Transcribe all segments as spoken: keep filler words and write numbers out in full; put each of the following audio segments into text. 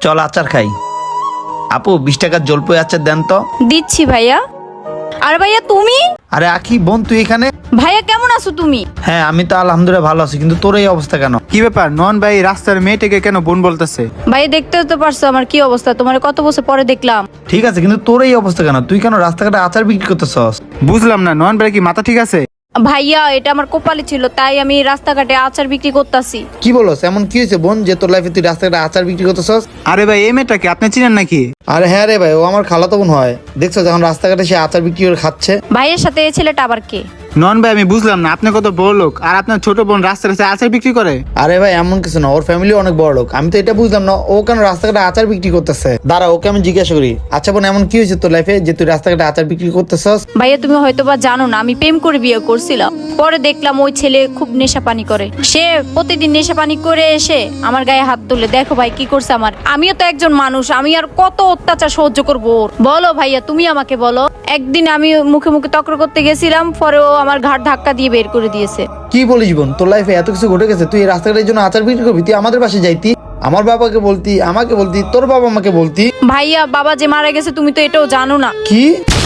চল আচার খাই। আপু বিশ টাকার জলপাই আচার দেন তো। দিচ্ছি ভাইয়া। আর ভাইয়া তুমি? আরে আখি বোন তুই এখানে? ভাইয়া কেমন আছো তুমি? হ্যাঁ আমি তো আলহামদুলিল্লাহ ভালো আছি, কিন্তু তোর এই অবস্থা কেন? কি ব্যাপার নন ভাই, রাস্তার মেয়েটাকে কেন বোন বলতেছে? ভাইয়া দেখতে তো পারছো আমার কি অবস্থা, তোমার কত বছর পরে দেখলাম। ঠিক আছে, কিন্তু তোর এই অবস্থা কেন? তুই কেন রাস্তাঘাটে আচার বিক্রি করতেছস? বুঝলাম না, নন ভাই কি মাথা ঠিক আছে? ভাইয়া এটা আমার কপালে ছিল, তাই আমি রাস্তাঘাটে আচার বিক্রি করতেছি। কি বলস? এমন কি হয়েছে বোন যে তোর লাইফে তুই রাস্তাঘাটে আচার বিক্রি করতেছস? আরে ভাই এই মেয়েটাকে আপনি চিনেন নাকি? আরে হ্যাঁ রে ভাই, ও আমার খালাতো বোন হয়। দেখছো যখন রাস্তাঘাটে সে আচার বিক্রি করে খাচ্ছে। ভাইয়ের সাথে এই ছেলেটা আবার কে? নন ভাই আমি বুঝলাম না, আপনি কত বড় লোক আর আপনার ছোট বোন রাস্তায় রাস্তায় আচার বিক্রি করে? আরে ভাই এমন কিছু না, ওর ফ্যামিলি অনেক বড় লোক। আমি তো এটা বুঝলাম না ও কেন রাস্তাঘাটে আচার বিক্রি করতেছে। দাঁড়া ওকে আমি জিজ্ঞাসা করি। আচ্ছা বোন, এমন কি হয়েছে তোর লাইফে যে তুই রাস্তাঘাটে আচার বিক্রি করতেছস? ভাইয়া তুমি হয়তো বা জানো না, আমি প্রেম করে বিয়ে করছিলাম। পরে দেখলাম ওই ছেলে খুব নেশা পানি করে। সে প্রতিদিন নেশা পানি করে এসে আমার গায়ে হাত তুলে। দেখো ভাই কি করছে আমার। আমিও তো একজন মানুষ, আমি আর কত অত্যাচার সহ্য করবো ওর? বলো ভাইয়া তুমি আমাকে বলো। একদিন আমি মুখে মুখে তক্র করতে গেছিলাম, পরে ও আমার ঘাট ধাক্কা দিয়ে বের করে দিয়েছে। কি বলিস বোন, তোর লাইফে এত কিছু ঘটে গেছে? তুই এই রাস্তাঘাটের জন্য আচার বিক্রি করবি? তুই আমাদের পাশে যাইতি, আমার বাবাকে বলতি, আমাকে বলতি, তোর বাবা আমাকে বলতি। ভাইয়া বাবা যে মারা গেছে তুমি তো এটাও জানো না। কি?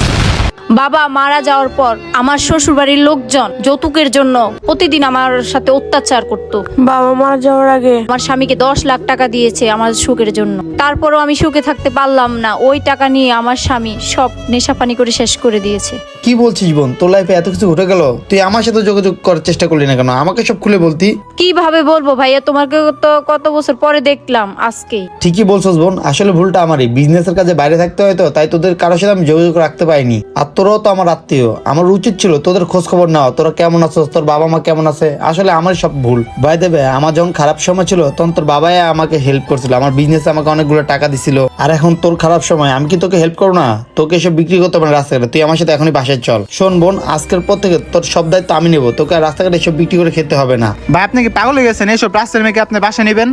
বাবা মারা যাওয়ার পর আমার শ্বশুর বাড়ির লোকজন যৌতুকের জন্য প্রতিদিন আমার সাথে অত্যাচার করতো। বাবা মারা যাওয়ার আগে আমার স্বামীকে দশ লাখ টাকা দিয়েছে আমার সুখের জন্য। তারপরও আমি সুখে থাকতে পারলাম না। ওই টাকা নিয়ে আমার স্বামী সব নেশা পানি করে শেষ করে দিয়েছে। কি বলছিস বোন, তোর লাইফে এত কিছু ঘটে গেল, তুই আমার সাথে যোগাযোগ করার চেষ্টা করলি না কেন? আমাকে সব খুলে বলতি। কিভাবে বলবো ভাইয়া, তোমাকে তো কত বছর পরে দেখলাম আজকে। ঠিকই বলছস বোন, আসলে ভুলটা আমারই। বিজনেসের কাজে বাইরে থাকতে হয় তো, তাই তোদের কারোর সাথে আমি যোগাযোগ রাখতে পারিনি। আর তোরাও তো আমার আত্মীয়, আমার উচিত ছিল তোদের খোঁজ খবর নেওয়া। তোরা কেমন আছো, তোর বাবা মা কেমন আছে। আসলে আমারই সব ভুল। ভাই দেবে আমার যখন খারাপ সময় ছিল তখন তোর বাবাই আমাকে হেল্প করছিল, আমার বিজনেসে আমাকে অনেকগুলো টাকা দিছিল। আর এখন তোর খারাপ সময়, আমি কি তোকে হেল্প করবো না? তোকে এসব বিক্রি করতে পারে রাস্তাঘাটে? তুই আমার সাথে এখনই বাসায় চল। শোন বোন, আজকের পর থেকে তোর সব দায়িত্ব আমি নেবো। তোকে আর রাস্তাঘাটে এসব বিক্রি করে খেতে হবে না। ভাই আপনি কি পাগল হয়ে গেছেন? এইসব রাস্তার মেয়েকে আপনি বাসা নেবেন?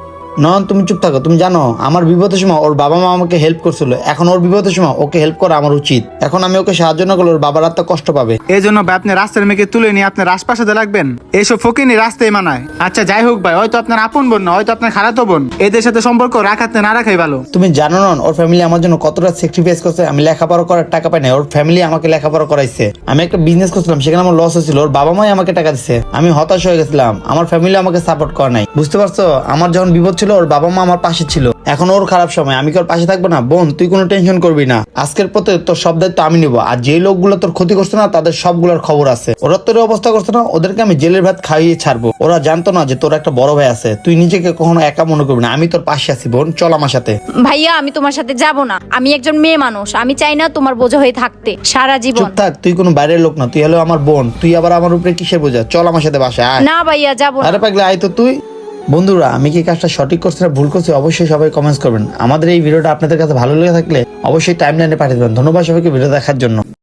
নন তুমি চুপ থাকো। তুমি জানো আমার বিপদের সময় ওর বাবা মা আমাকে হেল্প করছিল, এখন ওর বিপদের সময় ওকে হেল্প করা আমার উচিত। এখন আমি ওকে সাহায্য না করলে ওর বাবার আত্মা কষ্ট পাবে। এই জন্য ভাই আপনি রাস্তার মেয়েকে তুলে নিয়ে আপনার আশপাশে লাগবেন? এইসব ফকিনি রাস্তায় মানায়। আচ্ছা যাই হোক ভাই, হয়তো আপনার আপন বোন না, হয়তো আপনার খালাতো বোন। এদের সাথে সম্পর্ক রাখাতে না রাখাই ভালো। তুমি জানো না ওর ফ্যামিলি আমার জন্য কতটা স্যাক্রিফাইস করছে। আমি লেখাপড়া করার টাকা পাই না, ওর ফ্যামিলি আমাকে লেখাপড়া করাইছে। আমি একটা বিজনেস করছিলাম, সেখানে আমার লস হয়েছিল, ওর বাবা মাই আমাকে টাকা দিচ্ছে। আমি হতাশ হয়ে গেছিলাম, আমার ফ্যামিলি আমাকে সাপোর্ট করে নাই। বুঝতে পারছো? আমার যখন বিপদ ছিল ওর বাবা মা আমার পাশে ছিল। এখন ওর খারাপ সময়, আমি কি ওর পাশে থাকবো না? বোন তুই কোনো টেনশন করবি না, আজকের পথে তোর সব দায়িত্ব আমি নিবো। আর যে লোকগুলো তোর ক্ষতি করছে না তাদের সবগুলোর খবর আছে। ওরা তোর অবস্থা করছে না, ওদেরকে আমি জেলের ভাত খাইয়ে ছাড়বো। ওরা জানতো না যে তোর একটা বড় ভাই আছে। তুই নিজেকে কখনো একা মনে করবি না, আমি তোর পাশে আছি। বোন চল আমার সাথে। ভাইয়া আমি তোমার সাথে যাব না, আমি একজন মেয়ে মানুষ, আমি চাই না তোমার বোঝা হয়ে থাকতে সারা জীবন। চুপ থাক, তুই কোনো বাইরের লোক না, তুই হলো আমার বোন। তুই আবার আমার উপরে কিসের বোঝা? চল আমার সাথে বাসায় আয়। না ভাইয়া যাবো না। আরে পাগলে আয় তো তুই। বন্ধুরা আমি কি কাজটা সঠিক করছি না ভুল করছি অবশ্যই সবাই কমেন্টস করবেন। আমাদের এই ভিডিওটা আপনাদের কাছে ভালো লেগে থাকলে অবশ্যই টাইমলাইনে পাঠিয়ে দেবেন। ধন্যবাদ সবাইকে ভিডিও দেখার জন্য।